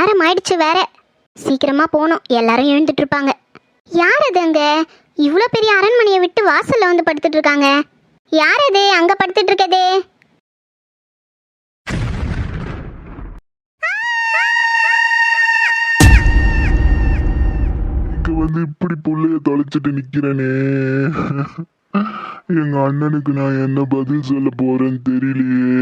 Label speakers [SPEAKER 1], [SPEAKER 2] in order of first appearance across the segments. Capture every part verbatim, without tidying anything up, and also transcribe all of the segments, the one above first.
[SPEAKER 1] நேரம் ஆயிடுச்சு வேற. சீக்கிரமா போகணும், எல்லாரும் எழுந்துட்டு இருப்பாங்க. யார் அது அங்க இவ்வளோ பெரிய அரண்மனையை விட்டு வாசல்ல வந்து படுத்துட்டு இருக்காங்க? யார் அது அங்க படுத்துட்டு இருக்கதே?
[SPEAKER 2] இங்க வந்து இப்படி புள்ளைய தொலைச்சிட்டு நிக்கிறேனே. எங்க அண்ணனுக்கு நான் என்ன பதில் சொல்ல போறேன்னு தெரியலையே.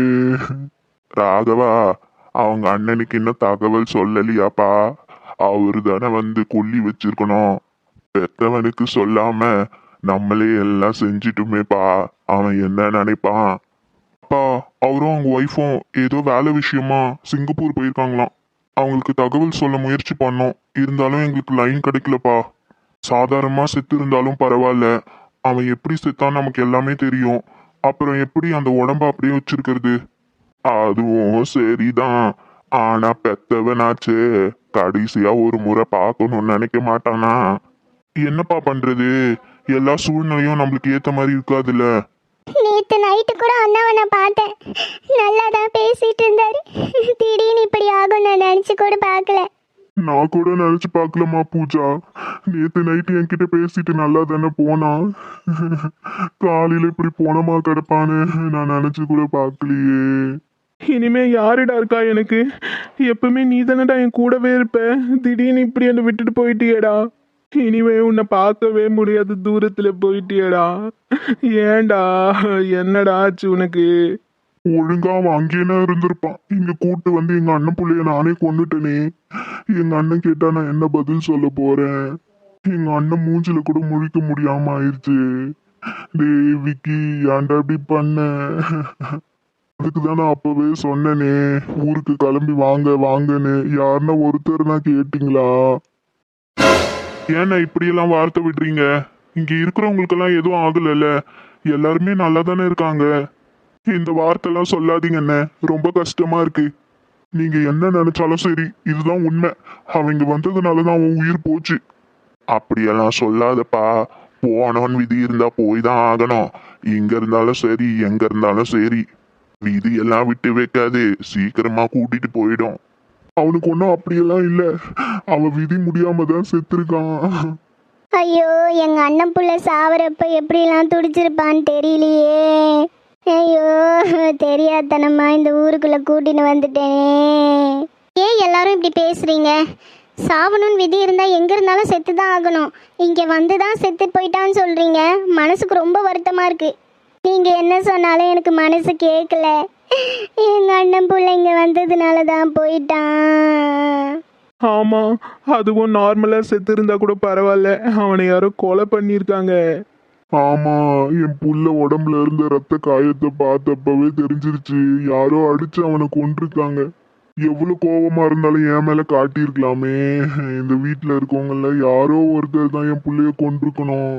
[SPEAKER 2] ராகவா, அவங்க அண்ணனுக்கு இன்னும் தகவல் சொல்லலையாப்பா? அவரு தானே வந்து கொல்லி வச்சிருக்கணும். பெத்தவனுக்கு சொல்லாம நம்மளே எல்லாம் செஞ்சிட்டுமேப்பா. அவன் என்ன நினைப்பான்? அப்பா, அவரும் அவங்க ஒய்ஃபும் ஏதோ வேலை விஷயமா சிங்கப்பூர் போயிருக்காங்களாம். அவங்களுக்கு தகவல் சொல்ல முயற்சி பண்ணோம், இருந்தாலும் எங்களுக்கு லைன் கிடைக்கலப்பா. சாதாரணமா செத்து இருந்தாலும் பரவாயில்ல, அவன் எப்படி செத்தான் நமக்கு எல்லாமே தெரியும். அப்புறம் எப்படி அந்த உடம்ப அப்படியே வச்சிருக்கிறது? அதுவும் சரிதான், ஆனா பெத்தவனாச்சு கடைசியா ஒரு முறை பார்க்கணும்னு நினைக்க மாட்டானா? என்னப்பா பண்றது, எல்லா சூழ்நிலையும் நம்மளுக்கு ஏத்த மாதிரி இருக்காதுல்ல.
[SPEAKER 1] நேத்து நைட்டு கூட அண்ணாவை நான் பார்த்தேன், நல்லா தான் பேசிட்டு இருந்தாரு. திடீர்னு இப்படி ஆகும் நான் நினைச்சு கூட பார்க்கல.
[SPEAKER 2] நான் கூட நினைச்சு பார்க்கலமா பூஜா. நேத்து நைட்டு என்கிட்ட பேசிட்டு நல்லா தானே போனா. காலையில இப்படி போனமா கிடப்பான்னு நான் நினைச்சு கூட பார்க்கலையே.
[SPEAKER 3] இனிமே யாருடா இருக்கா எனக்கு? எப்பவுமே நீ தானடா என் கூடவே இருப்ப. திடீர்னு இப்படி என்னை விட்டுட்டு போயிட்டியேடா. இனிமே உன்னை பார்க்கவே முடியாது, தூரத்துல போயிட்டியேடா. ஏன்டா, என்னடா ஆச்சு உனக்கு?
[SPEAKER 2] ஒழுங்கா அவன் அங்கேயே இருந்திருப்பான். இங்க கூட்டு வந்து எங்க அண்ணன் புள்ளைய நானே கொண்டுட்டேனே. எங்க அண்ணன் கேட்டா நான் என்ன பதில் சொல்ல போறேன்? எங்க அண்ணன் மூஞ்சில கூட முழிக்க முடியாம ஆயிடுச்சு. டேய் விக்கி, ஏன்டா இப்படி பண்ண? அதுக்கு தான் நான் அப்பவே சொன்னேனே, ஊருக்கு கிளம்பி வாங்க வாங்கன்னு. யாருன்னா ஒருத்தர் தான் கேட்டீங்களா? ஏன்னா இப்படியெல்லாம் வார்த்தை விடுறீங்க? இங்க இருக்கிறவங்களுக்கெல்லாம் எதுவும் ஆகலைல்ல, எல்லாருமே நல்லா தானே இருக்காங்க. இந்த வார்த்தைலாம் சொல்லாதீங்கண்ணே, ரொம்ப கஷ்டமா இருக்கு. நீங்க என்ன நினைச்சாலும் சரி, இதுதான் உண்மை. அவங்க வந்ததுனாலதான் அவன் உயிர் போச்சு. அப்படியெல்லாம் சொல்லாதப்பா. போனவன் விதி இருந்தா போய் தான் ஆகணும். இங்க இருந்தாலும் சரி, எங்க இருந்தாலும் சரி, விதி எல்லாம் விட்டு வைக்காது, சீக்கிரமா கூட்டிட்டு போயிடும். அவனுக்கு ஒன்றும் அப்படியெல்லாம் இல்லை, அவன் விதி முடியாம தான் செத்துருக்கான்.
[SPEAKER 1] ஐயோ, எங்க அண்ணன் புள்ள சாவரப்ப எப்படிலாம் துடிச்சிருப்பான்னு தெரியலையே. ஐயோ, தெரியாதனமா இந்த ஊருக்குள்ள கூட்டின்னு வந்துட்டேனே. ஏன் எல்லாரும் இப்படி பேசுறீங்க? சாவணும்னு விதி இருந்தா எங்க இருந்தாலும் செத்து தான் ஆகணும். இங்க வந்து தான் செத்து போயிட்டான்னு சொல்றீங்க. மனசுக்கு ரொம்ப வருத்தமா இருக்கு. நீங்க என்ன சொன்னாலும் எனக்கு மனசு கேட்கல. எங்க அண்ணன் புள்ள இங்க வந்ததுனால தான் போயிட்டான்.
[SPEAKER 3] ஆமா, அதுவும் நார்மலா செத்து இருந்தா கூட பரவாயில்ல, அவனை யாரோ கொலை பண்ணியிருக்காங்க.
[SPEAKER 2] ஆமா, என் புள்ள உடம்புல இருந்த ரத்த காயத்தை பார்த்தப்பவே தெரிஞ்சிருச்சு, யாரோ அடிச்சு அவனை கொண்டிருக்காங்க. எவ்வளவு கோபமா இருந்தாலும் என் மேல காட்டியிருக்கலாமே. இந்த வீட்டுல இருக்கவங்கள யாரோ ஒருத்தர் தான் என் புள்ளைய கொண்டிருக்கணும்.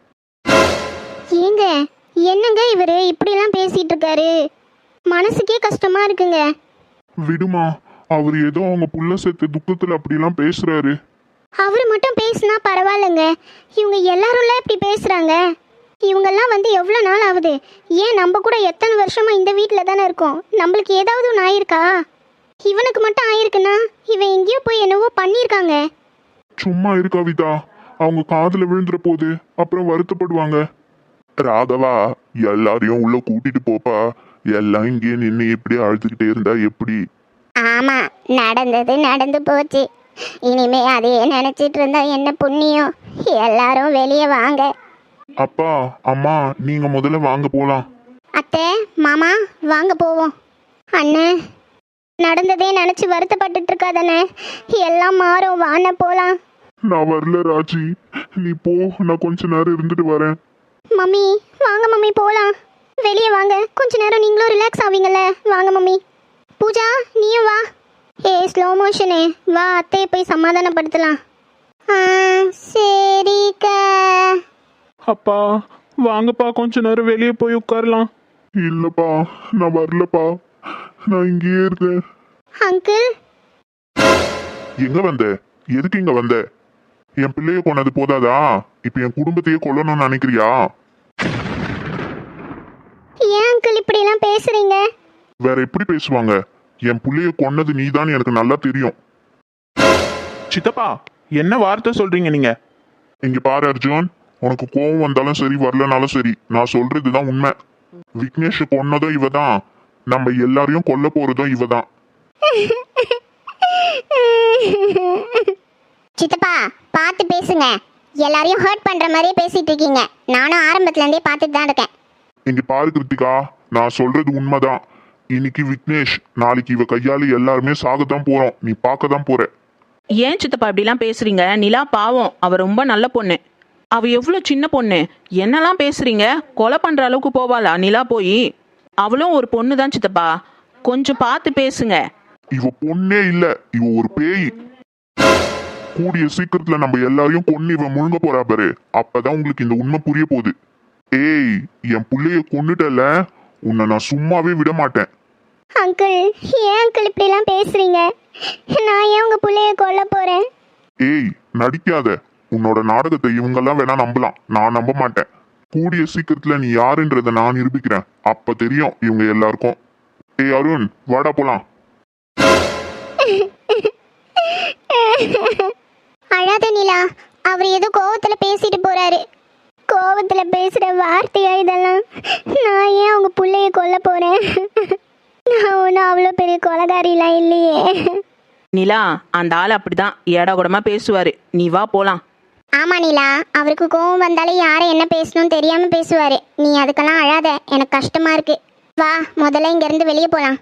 [SPEAKER 1] ஏங்க, என்னங்க இவரு இப்படிலாம் பேசிட்டு இருக்காரு? மனசுக்கே கஷ்டமா இருக்குங்க.
[SPEAKER 2] விடுமா, அவர் ஏதோ அவங்க புள்ள செத்து துக்கத்துல அப்படிலாம் பேசுறாரு.
[SPEAKER 1] அவரு மட்டும் பேசினா பரவாயில்லைங்க, இவங்க எல்லாரும்ல இப்படி பேசுறாங்க. இவங்கெல்லாம் வந்து எவ்வளோ நாள் ஆகுது? ஏன் நம்ம கூட எத்தனை வருஷமா இந்த வீட்டில் தானே இருக்கோம். நம்மளுக்கு ஏதாவது ஒன்று ஆயிருக்கா? இவனுக்கு மட்டும் ஆயிருக்குன்னா இவன் எங்கேயோ போய் என்னவோ பண்ணியிருக்காங்க.
[SPEAKER 2] சும்மா இரு கவிதா, அவங்க காதுல விழுந்துற போது அப்புறம் வருத்தப்படுவாங்க. ராகவா, எல்லாரையும் உள்ள கூட்டிட்டு போப்பா. எல்லாம் இங்கே நின்று இப்படி அழுதுகிட்டே இருந்தா எப்படி?
[SPEAKER 1] ஆமா, நடந்தது நடந்து போச்சு. இனிமே அதையே நினைச்சிட்டு இருந்தா என்ன புண்ணியம்? எல்லாரும் வெளியே வாங்க.
[SPEAKER 2] அப்பா அம்மா, நீங்க முதல்ல வாங்க போலாம்.
[SPEAKER 1] அத்தை, மாமா, வாங்க போவோம். அண்ணே, நடந்ததே நினைச்சு வருத்தப்பட்டுட்டு இருக்காதானே, எல்லாம் மாறும், வாண்ண போலாம்.
[SPEAKER 2] நான் வரல ராஜி, நீ போ, நான் கொஞ்ச நேரம் இருந்துட்டு வரேன்.
[SPEAKER 1] மம்மி, வாங்க மம்மி போலாம். வெளியே வாங்க, கொஞ்ச நேரம் நீங்களும் ரிலாக்ஸ் ஆவீங்கல்ல. வாங்க மம்மி. பூஜா, நீயும் வா. ஏ ஸ்லோ மோஷனு, வா, அத்தையை போய் சமாதானப்படுத்தலாம். ஆ சரிக்கா.
[SPEAKER 3] அப்பா வாங்கப்பா, கொஞ்ச நேரம் வெளியே போய் உட்காரலாம்.
[SPEAKER 2] இல்லப்பா, நான் வரலப்பா, நான் இங்கேயே இருக்கேன்.
[SPEAKER 1] அங்கிள்,
[SPEAKER 2] எங்க வந்த? எதுக்கு இங்க வந்த? என் பிள்ளைய கொன்னது போதாதா, இப்ப என் குடும்பத்தையே கொல்லணும்னு நினைக்கிறியா?
[SPEAKER 1] ஏன் அங்கிள் இப்படி எல்லாம் பேசுறீங்க?
[SPEAKER 2] வேற எப்படி பேசுவாங்க? என் புள்ளைய கொன்னது நீதான் எனக்கு நல்லா தெரியும்.
[SPEAKER 3] சித்தப்பா என்ன வார்த்தை சொல்றீங்க நீங்க?
[SPEAKER 2] இங்க பாரு அர்ஜுன், உனக்கு கோவம் வந்தாலும் சரி வரலனாலும் சரி, நான் சொல்றதுதான் உண்மை. விக்னேஷ் கொன்னதும் இவ தான், நம்ம எல்லாரையும் கொல்ல போறதும் இவ தான்.
[SPEAKER 1] சித்தப்பா பார்த்து பேசுங்க. எல்லாரையும் ஹர்ட் பண்ற மாதிரியே பேசிட்டு இருக்கீங்க. நானும் ஆரம்பத்துல இருந்தே பார்த்துட்டு தான் இருக்கேன்.
[SPEAKER 2] இங்க பாரு கிருத்திகா, நான் சொல்றது உண்மைதான். இன்னைக்கு விக்னேஷ், நாளைக்கு இவ கையால எல்லாருமே சாகத்தான் போறோம். நீ பார்க்க தான் போற.
[SPEAKER 4] ஏன் சித்தப்பா இப்படிலாம் பேசுறீங்க? நிலா பாவம், அவ ரொம்ப நல்ல பொண்ணு. அவ எவ்வளோ சின்ன பொண்ணு, என்னெல்லாம் பேசுறீங்க? கொலை பண்ற அளவுக்கு போவாளா நிலா போய்? அவளும் ஒரு பொண்ணு தான் சித்தப்பா, கொஞ்சம் பார்த்து பேசுங்க.
[SPEAKER 2] இவ பொண்ணே இல்ல, இவ ஒரு பேய். கூடிய சீக்கிரத்துல நம்ம எல்லாரையும் கொன்னு இவ முழுங்க போறா பாரு. அப்பதான் உங்களுக்கு இந்த உண்மை புரிய போகுது. ஏய், என் புள்ளைய கொன்னுட்டல, உன்னை நான் சும்மாவே விட மாட்டேன்.
[SPEAKER 1] அங்கிள், ஏன் அங்கிள் இப்படிலாம் பேசுறீங்க? நான் ஏன் உங்க புள்ளைய கொல்ல போறேன்?
[SPEAKER 2] ஏய், நடிக்காத. உன்னோட நாடகத்தை இவங்கெல்லாம் வேணா நம்பலாம், நான் நம்ப மாட்டேன். கூடிய சீக்கிரத்துல நீ யாருன்றத நான் நிரூபிக்கிறேன். அப்ப தெரியும் இவங்க எல்லாருக்கும். ஏய் அருண், வாடா போலாம்.
[SPEAKER 1] அழாத நிலா, அவர் ஏதோ கோவத்துல பேசிட்டு போறாரு. கோவத்துல பேசுற வார்த்தையா இதெல்லாம்? நான் ஏன் உங்க புள்ளைய கொல்ல போறேன்? நான் ஒன்றும் அவ்வளோ பெரிய கொலகாரிலாம் இல்லையே.
[SPEAKER 4] நிலா, அந்த ஆள் அப்படிதான் ஏடா கூடமா பேசுவாரு. நீ வா போலாம்.
[SPEAKER 1] ஆமா நிலா, அவருக்கு கோவம் வந்தாலே யாரை என்ன பேசணும்னு தெரியாம பேசுவாரு. நீ அதுக்கெல்லாம் அழாத, எனக்கு கஷ்டமா இருக்கு. வா, முதல்ல இங்க இருந்து வெளியே போலாம்.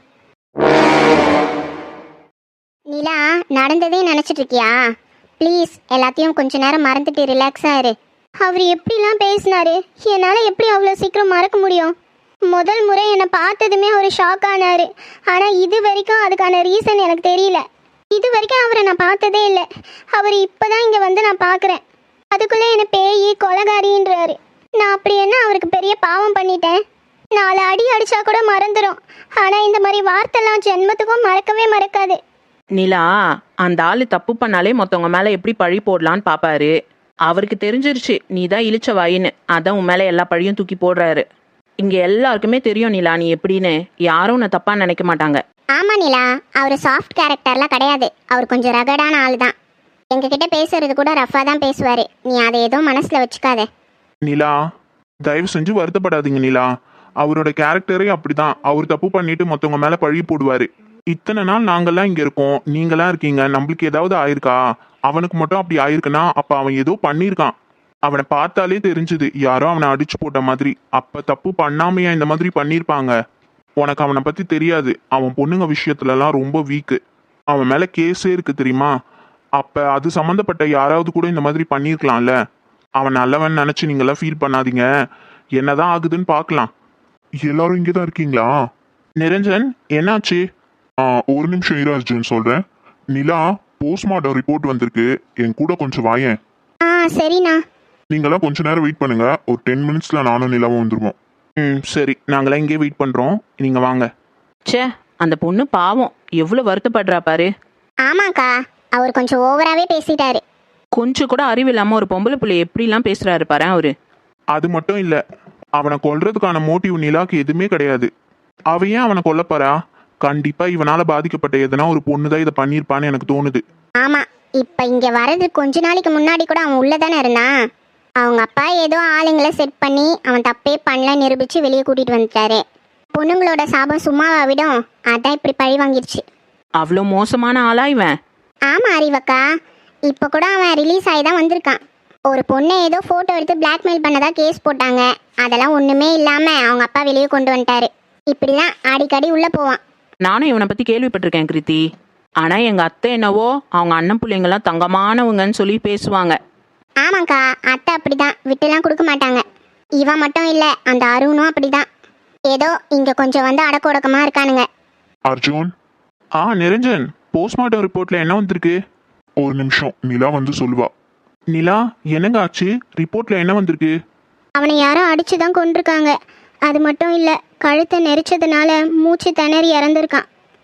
[SPEAKER 1] நிலா, நடந்ததே நினைச்சிட்டு இருக்கியா? ப்ளீஸ் எல்லாத்தையும் கொஞ்ச நேரம் மறந்துட்டு ரிலாக்ஸா இரு. அவர் எப்படிலாம் பேசினாரு, என்னால் எப்படி அவ்வளோ சீக்கிரம் மறக்க முடியும்? முதல் முறை என்னை பார்த்ததுமே அவர் ஷாக் ஆனாரு. ஆனால் இது வரைக்கும் அதுக்கான ரீசன் எனக்கு தெரியல. இது வரைக்கும் அவரை நான் பார்த்ததே இல்லை. அவர் இப்போதான் இங்கே வந்து நான் பார்க்குறேன். அதுக்குள்ளே என்னை பேய் கொலகாரின்றாரு. நான் அப்படி என்ன அவருக்கு பெரிய பாவம் பண்ணிட்டேன்? நாலு அடி அடித்தா கூட மறந்துடும். ஆனால் இந்த மாதிரி வார்த்தைலாம் ஜென்மத்துக்கும் மறக்கவே மறக்காது.
[SPEAKER 4] நிலா, அந்த ஆளு தப்பு பண்ணாலே மொத்தவங்க மேல எப்படி பழி போடலான்னு பாப்பாரு. அவருக்கு தெரிஞ்சிருச்சு நீ தான் இழிச்ச வாயின்னு, அதான் உன் மேல எல்லா பழியும் தூக்கி போடுறாரு. இங்க எல்லாருக்குமே தெரியும் நிலா நீ எப்படின்னு. யாரும் உன்னை தப்பா நினைக்க மாட்டாங்க.
[SPEAKER 1] ஆமா நிலா, அவர் சாஃப்ட் கேரக்டர்லாம் கிடையாது. அவர் கொஞ்சம் ரகடான ஆள் தான். எங்ககிட்ட பேசுறது கூட ரஃபா தான் பேசுவாரு. நீ அதை ஏதோ மனசுல வச்சுக்காத.
[SPEAKER 3] நிலா, தயவு செஞ்சு வருத்தப்படாதீங்க நிலா. அவரோட கேரக்டரே அப்படிதான். அவர் தப்பு பண்ணிட்டு மற்றவங்க மேல பழி போடுவாரு. இத்தனை நாள் நாங்கெல்லாம் இங்க இருக்கோம், நீங்களாம் இருக்கீங்க. நம்மளுக்கு ஏதாவது ஆயிருக்கா? அவனுக்கு மட்டும் அப்படி ஆயிருக்குன்னா அப்ப அவன் ஏதோ பண்ணியிருக்கான். அவனை பார்த்தாலே தெரிஞ்சுது யாரோ அவனை அடிச்சு போட்ட மாதிரி. அப்ப தப்பு பண்ணாமையா இந்த மாதிரி பண்ணியிருப்பாங்க? உனக்கு அவனை பத்தி தெரியாது. அவன் பொண்ணுங்க விஷயத்துலலாம் ரொம்ப வீக்கு. அவன் மேல கேஸே இருக்கு தெரியுமா? அப்ப அது சம்மந்தப்பட்ட யாராவது கூட இந்த மாதிரி பண்ணியிருக்கலாம்ல. அவன் நல்லவன் நினைச்சு நீங்களாம் ஃபீல் பண்ணாதீங்க. என்னதான் ஆகுதுன்னு பார்க்கலாம்.
[SPEAKER 2] எல்லாரும் இங்கதான் இருக்கீங்களா?
[SPEAKER 3] நிரஞ்சன், என்னாச்சு?
[SPEAKER 2] ஆ, ஒரு நிமிஷம் இரு அர்ஜுன், சொல்றேன். நிலா, போஸ்ட்மார்ட்டம் ரிப்போர்ட் வந்திருக்கு, என் கூட கொஞ்சம் வாயேன்.
[SPEAKER 1] ஆ சரிண்ணா.
[SPEAKER 2] நீங்களாம் கொஞ்ச நேரம் வெயிட் பண்ணுங்க. ஒரு டென் மினிட்ஸ்ல நானும் நிலாவும் வந்துருவோம்.
[SPEAKER 3] ம் சரி, நாங்களாம் இங்கே வெயிட் பண்றோம், நீங்க வாங்க.
[SPEAKER 4] ச்சே, அந்த பொண்ணு பாவம் எவ்வளவு வருத்தப்படுறா பாரு.
[SPEAKER 1] ஆமாக்கா, அவர் கொஞ்சம் ஓவராகவே பேசிட்டாரு.
[SPEAKER 4] கொஞ்சம் கூட அறிவு இல்லாம ஒரு பொம்பளை பிள்ளை எப்படிலாம் பேசுறாரு பாரு அவரு.
[SPEAKER 3] அது மட்டும் இல்ல, அவனை கொல்றதுக்கான மோட்டிவ் நிலாக்கு எதுவுமே கிடையாது. அவ ஏன் அவனை கொல்லப்பாரா? கண்டிப்பா இவனால பாதிக்கப்பட்ட எதனா ஒரு பொண்ணுதான் இதை பண்ணியிருப்பான்னு எனக்கு தோணுது.
[SPEAKER 1] ஆமா, இப்ப இங்க வர்றது கொஞ்ச நாளைக்கு முன்னாடி கூட அவன் உள்ளதானே இருந்தான். அவங்க அப்பா ஏதோ ஆளுங்களை செட் பண்ணி அவன் தப்பே பண்ணல நிரூபிச்சு வெளியே கூட்டிட்டு வந்துட்டாரு. பொண்ணுங்களோட சாபம் சும்மாவா விடும்? அதான் இப்படி பழி வாங்கிருச்சு.
[SPEAKER 4] அவ்வளோ மோசமான ஆளா இவன்?
[SPEAKER 1] ஆமா அறிவக்கா, இப்ப கூட அவன் ரிலீஸ் ஆகி தான் வந்திருக்கான். ஒரு பொண்ணை ஏதோ போட்டோ எடுத்து பிளாக்மெயில் பண்ணதா கேஸ் போட்டாங்க. அதெல்லாம் ஒண்ணுமே இல்லாம அவங்க அப்பா வெளியே கொண்டு வந்துட்டாரு. இப்படிதான் அடிக்கடி உள்ள போவான்.
[SPEAKER 4] நானும் இவனை பத்தி கேள்விப்பட்டிருக்கேன் கிருத்தி. ஆனா எங்க அத்தை என்னவோ அவங்க அண்ணன் பிள்ளைங்கெல்லாம் தங்கமானவங்கன்னு சொல்லி பேசுவாங்க.
[SPEAKER 1] ஆமாக்கா, அத்தை அப்படிதான், விட்டுலாம் கொடுக்க மாட்டாங்க. இவன் மட்டும் இல்ல, அந்த அருணும் அப்படிதான். ஏதோ இங்க கொஞ்சம் வந்து அடக்க ஒடக்கமா இருக்கானுங்க.
[SPEAKER 2] அர்ஜுன்.
[SPEAKER 3] ஆ நிரஞ்சன், போஸ்ட்மார்ட்டம் ரிப்போர்ட்ல என்ன வந்திருக்கு?
[SPEAKER 2] ஒரு நிமிஷம், நிலா வந்து சொல்லுவா.
[SPEAKER 3] நிலா, என்னங்க ஆச்சு? ரிப்போர்ட்ல என்ன வந்திருக்கு?
[SPEAKER 1] அவனை யாரோ அடிச்சுதான் கொண்டிருக்காங்க. அது மட்டும் இல்ல, கழுத்தை நெரிச்சதுனால மூச்சு திணறி இறந்துருக்கான்.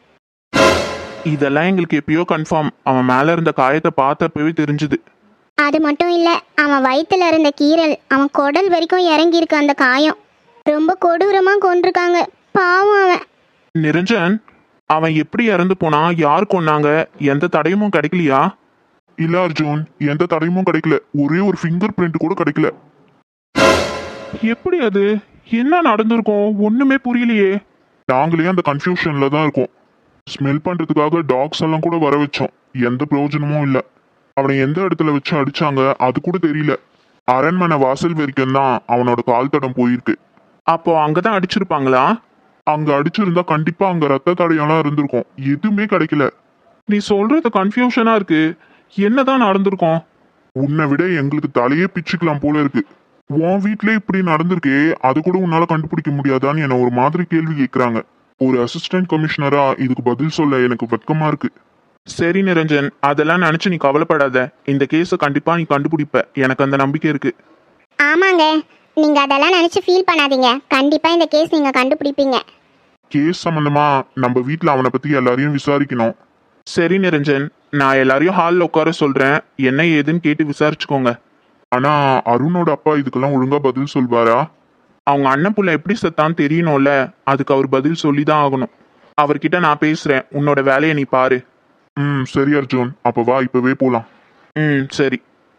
[SPEAKER 3] இதெல்லாம் எங்களுக்கு எப்பயோ கன்ஃபார்ம். அவன் மேல இருந்த காயத்தை பார்த்தப்பவே தெரிஞ்சுது.
[SPEAKER 1] அது மட்டும் இல்ல, அவன் வயித்துல இருந்த கீறல் அவன் குடல் வரைக்கும் இறங்கி இருக்கு. அந்த காயம் ரொம்ப கொடூரமா கொண்டிருக்காங்க. பாவம் அவன்.
[SPEAKER 3] நிரஞ்சன், அவன் எப்படி இறந்து போனா, யார் கொன்னாங்க, எந்த தடயமும் கிடைக்கலையா?
[SPEAKER 2] இல்ல அர்ஜுன், எந்த தடயமும் கிடைக்கல. ஒரே ஒரு ஃபிங்கர் பிரிண்ட் கூட கிடைக்கல.
[SPEAKER 3] எப்படி அது? என்ன நடந்திருக்கும்? ஒண்ணுமே புரியலையே.
[SPEAKER 2] நாங்களே அந்த கன்ஃபியூஷன்ல தான் இருக்கோம். ஸ்மெல் பண்றதுக்காக டாக்ஸ் எல்லாம் கூட வர வச்சோம். எந்த பிரயோஜனமும் இல்ல. அவனை எந்த இடத்துல வச்சு அடிச்சாங்க அது கூட தெரியல. அரண்மனை வாசல் வரைக்கும் தான் அவனோட கால் தடம் போயிருக்கு.
[SPEAKER 3] அப்போ அங்கதான் அடிச்சிருப்பாங்களா?
[SPEAKER 2] அங்க அடிச்சிருந்தா கண்டிப்பா அங்க ரத்த தடயம்லாம் இருந்திருக்கும். எதுவுமே கிடைக்கல.
[SPEAKER 3] நீ சொல்றது கன்ஃபியூஷனா இருக்கு. என்னதான் நடந்திருக்கும்?
[SPEAKER 2] உன்னை விட எங்களுக்கு தலையே பிச்சுக்கலாம் போல இருக்கு. உன் வீட்ல இப்படி நடந்திருக்கே, அது கூட உன்னால கண்டுபிடிக்க முடியாதான்னு என்ன ஒரு மாதிரி கேள்வி கேட்கறாங்க. ஒரு அசிஸ்டன்ட் கமிஷனரா இதுக்கு பதில் சொல்ல எனக்கு வெட்கமா இருக்கு.
[SPEAKER 3] சரி நிரஞ்சன், அதெல்லாம் நினைச்சு நீ கவலைப்படாத. இந்த கேஸை கண்டிப்பா நீ கண்டுபிடிப்ப, எனக்கு அந்த நம்பிக்கை இருக்கு.
[SPEAKER 1] ஆமாங்க, நீங்க அதெல்லாம் நினைச்சு ஃபீல் பண்ணாதீங்க. கண்டிப்பா இந்த கேஸ் நீங்க கண்டுபிடிப்பீங்க.
[SPEAKER 2] கேஸ் சம்பந்தமா நம்ம வீட்ல அவனை பத்தி எல்லாரையும் விசாரிக்கணும்.
[SPEAKER 3] சரி நிரஞ்சன், நான் எல்லாரையும் ஹாலில் உட்கார சொல்றேன். என்ன ஏதுன்னு கேட்டு விசாரிச்சுக்கோங்க.
[SPEAKER 2] ஆனா அருணோட அப்பா இதுக்கெல்லாம் ஒழுங்கா பதில் சொல்வாரா?
[SPEAKER 3] அவங்க அண்ணன் புள்ள எப்படி செத்தான்னு தெரியணும்ல, அதுக்கு அவர் பதில் சொல்லி தான் ஆகணும். அவர்கிட்ட நான் பேசுறேன், உன்னோட வேலையை நீ பாரு.
[SPEAKER 2] ம் சரி அர்ஜுன், அப்ப வா இப்பவே போலாம்.
[SPEAKER 3] ம் சரி.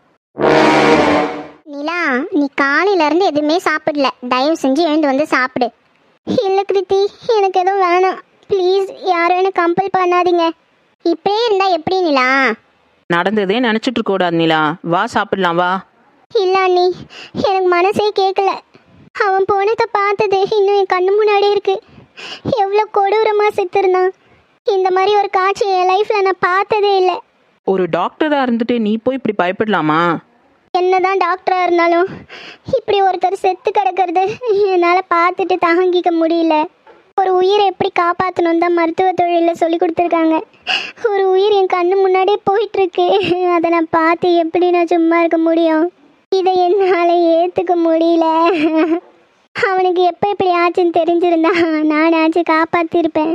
[SPEAKER 1] நிலா, நீ காலையில இருந்து எதுவுமே சாப்பிடல. தயவு செஞ்சு எழுந்து வந்து சாப்பிடு. இல்ல கிருத்தி, எனக்கு எதுவும் வேணாம். ப்ளீஸ், யாரும் எனக்கு கம்பல் பண்ணாதீங்க. இப்படியே இருந்தா எப்படி நிலா?
[SPEAKER 4] நடந்ததே நினைச்சிட்டு இருக்க கூடாது நிலா. வா சாப்பிடலாம் வா.
[SPEAKER 1] இல்ல அண்ணி, எனக்கு மனசே கேட்கல. அவன் போனதை பார்த்தது இன்னும் என் கண்ணு முன்னாடி இருக்கு. எவ்வளோ கொடூரமாக செத்துருந்தான். இந்த மாதிரி ஒரு காட்சி என் லைஃப்ல நான் பார்த்ததே இல்லை.
[SPEAKER 4] ஒரு டாக்டரா இருந்துட்டு நீ போய் இப்படி பயப்படலாமா?
[SPEAKER 1] என்னதான் டாக்டரா இருந்தாலும் இப்படி ஒருத்தர் செத்து கிடக்கிறது என்னால் பார்த்துட்டு தாங்கிக்க முடியல. ஒரு உயிரை எப்படி காப்பாற்றணும் தான் மருத்துவ தொழிலில் சொல்லி கொடுத்துருக்காங்க. ஒரு உயிர் என் கண்ணு முன்னாடியே போயிட்டுருக்கு. அதை நான் பார்த்து எப்படி நான் சும்மா இருக்க முடியும்? இதை என்னால் ஏற்றுக்க முடியல. அவனுக்கு எப்போ இப்படி ஆச்சுன்னு தெரிஞ்சிருந்தா நானாச்சும் காப்பாற்றிருப்பேன்.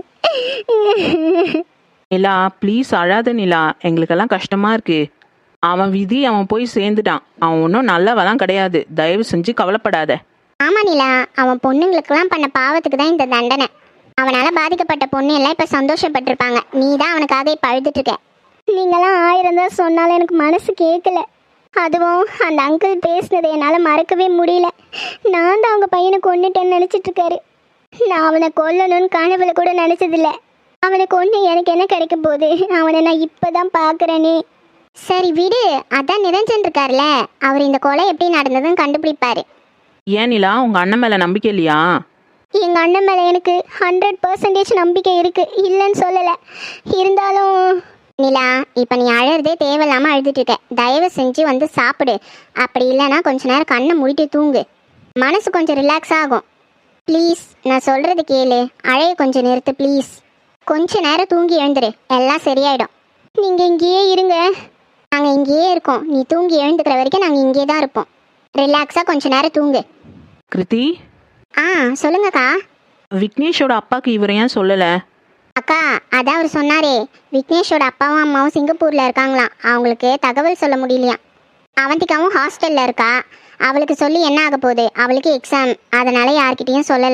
[SPEAKER 4] நிலா ப்ளீஸ் அழாத நிலா, எங்களுக்கெல்லாம் கஷ்டமா இருக்கு. அவன் விதி, அவன் போய் சேர்ந்துட்டான். அவன் ஒன்றும் நல்லவெல்லாம் கிடையாது. தயவு செஞ்சு கவலைப்படாத.
[SPEAKER 1] ஆமா நிலா, அவன் பொண்ணுங்களுக்கெல்லாம் பண்ண பாவத்துக்கு தான் இந்த தண்டனை. அவனால் பாதிக்கப்பட்ட பொண்ணு எல்லாம் இப்போ சந்தோஷப்பட்டிருப்பாங்க. நீ தான் அவனுக்காக இப்போ அழுதுட்டு இருக்க. நீங்களாம் ஆயிரம் தான் சொன்னாலும் எனக்கு மனசு கேட்கல. அதுவும் அந்த அங்கிள் பேசினதை என்னால் மறக்கவே முடியல. நான் தான் அவங்க பையனை கொண்டுட்டேன்னு நினச்சிட்டு இருக்காரு. நான் அவனை கொல்லணும்னு கனவுல கூட நினச்சதில்ல. அவனை கொண்டு எனக்கு என்ன கிடைக்க போகுது? அவனை நான் இப்போ தான் பார்க்குறேனே. சரி விடு, அதான் நிரஞ்சன் இருக்கார்ல, அவர் இந்த கொலை எப்படி நடந்ததுன்னு கண்டுபிடிப்பாரு.
[SPEAKER 4] ஏன் நிலா, உங்க அண்ணன் மேல நம்பிக்கை இல்லையா?
[SPEAKER 1] எங்க அண்ணன் மேல எனக்கு ஹண்ட்ரட் பர்சன்டேஜ் நம்பிக்கை இருக்கு, இல்லைன்னு சொல்லலை. இருந்தாலும் நிலா, இப்போ நீ அழறதே தேவையில்லாம அழுதுட்டு இருக்க. தயவு செஞ்சு வந்து சாப்பிடு. அப்படி இல்லைன்னா கொஞ்ச நேரம் கண்ணை மூடிட்டு தூங்கு. மனசு கொஞ்சம் ரிலாக்ஸ் ஆகும். ப்ளீஸ், நான் சொல்றது கேளு. அழைய கொஞ்சம் நிறுத்து ப்ளீஸ். கொஞ்ச நேரம் தூங்கி எழுந்துரு, எல்லாம் சரியாயிடும். நீங்க இங்கேயே இருங்க, நாங்க இங்கேயே இருக்கோம். நீ தூங்கி எழுந்துக்கிற வரைக்கும் நாங்க இங்கே தான் இருப்போம். ரிலாக்ஸா கொஞ்ச நேரம் தூங்கு.
[SPEAKER 4] கிருத்தி,
[SPEAKER 1] ஆ சொல்லுங்கக்கா.
[SPEAKER 4] விக்னேஷோட அப்பாக்கு இவரை ஏன் சொல்லல?
[SPEAKER 1] அக்கா, அதான் அவர் சொன்னாரே, விக்னேஷோட அப்பாவும் அம்மாவும் சிங்கப்பூர்ல இருக்காங்களாம். அவங்களுக்கு தகவல் சொல்ல முடியலையாம். அவந்திகாவும் ஹாஸ்டல்ல இருக்கா. அவளுக்கு சொல்லி என்ன ஆக போகுது? அவளுக்கு எக்ஸாம், அதனால யார்கிட்டயும் சொல்லல.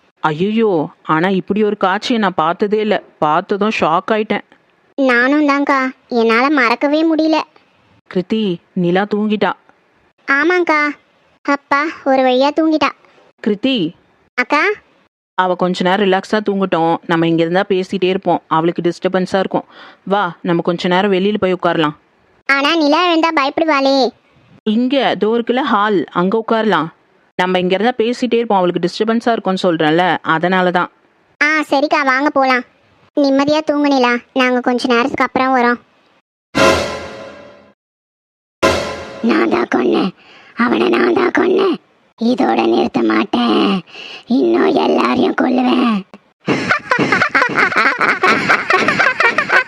[SPEAKER 4] ஐயோ, ஆனா இப்படி ஒரு காட்சியை நான் பார்த்ததே இல்லை. பார்த்ததும் ஷாக் ஆயிட்டேன்.
[SPEAKER 1] நானும் தான்க்கா, என்னால மறக்கவே முடியல.
[SPEAKER 4] கிருத்தி, நிலா தூங்கிட்டா.
[SPEAKER 1] ஆமாங்க்கா, அப்பா ஒரு வழியா தூங்கிட்டா.
[SPEAKER 4] கிருத்தி,
[SPEAKER 1] அக்கா,
[SPEAKER 4] அவ கொஞ்ச நேரம் ரிலாக்ஸா தூங்கட்டும். நம்ம இங்க இருந்தா பேசிட்டே இருப்போம், அவளுக்கு டிஸ்டர்பன்ஸா இருக்கும். வா, நம்ம கொஞ்ச நேரம் வெளியில போய் உட்காரலாம்.
[SPEAKER 1] ஆனா நிலா எழுந்தா பயப்படுவாளே.
[SPEAKER 4] இங்க தோ இருக்குல்ல ஹால், அங்க உட்காரலாம். நம்ம இங்க இருந்தா பேசிட்டே இருப்போம், அவளுக்கு டிஸ்டர்பன்ஸா இருக்கும்னு சொல்றேன்ல, அதனாலதான்.
[SPEAKER 1] ஆ சரிக்கா, வாங்க போலாம். நிம்மதியா தூங்கு நிலா, நாங்க கொஞ்ச நேரத்துக்கு அப்புறம் வரோம். நான் தான் கொன்னேன் அவனை, நான் தான் கொன்னேன். இதோட நிறுத்த மாட்டேன், இன்னும் எல்லாரையும் கொல்லுவேன்.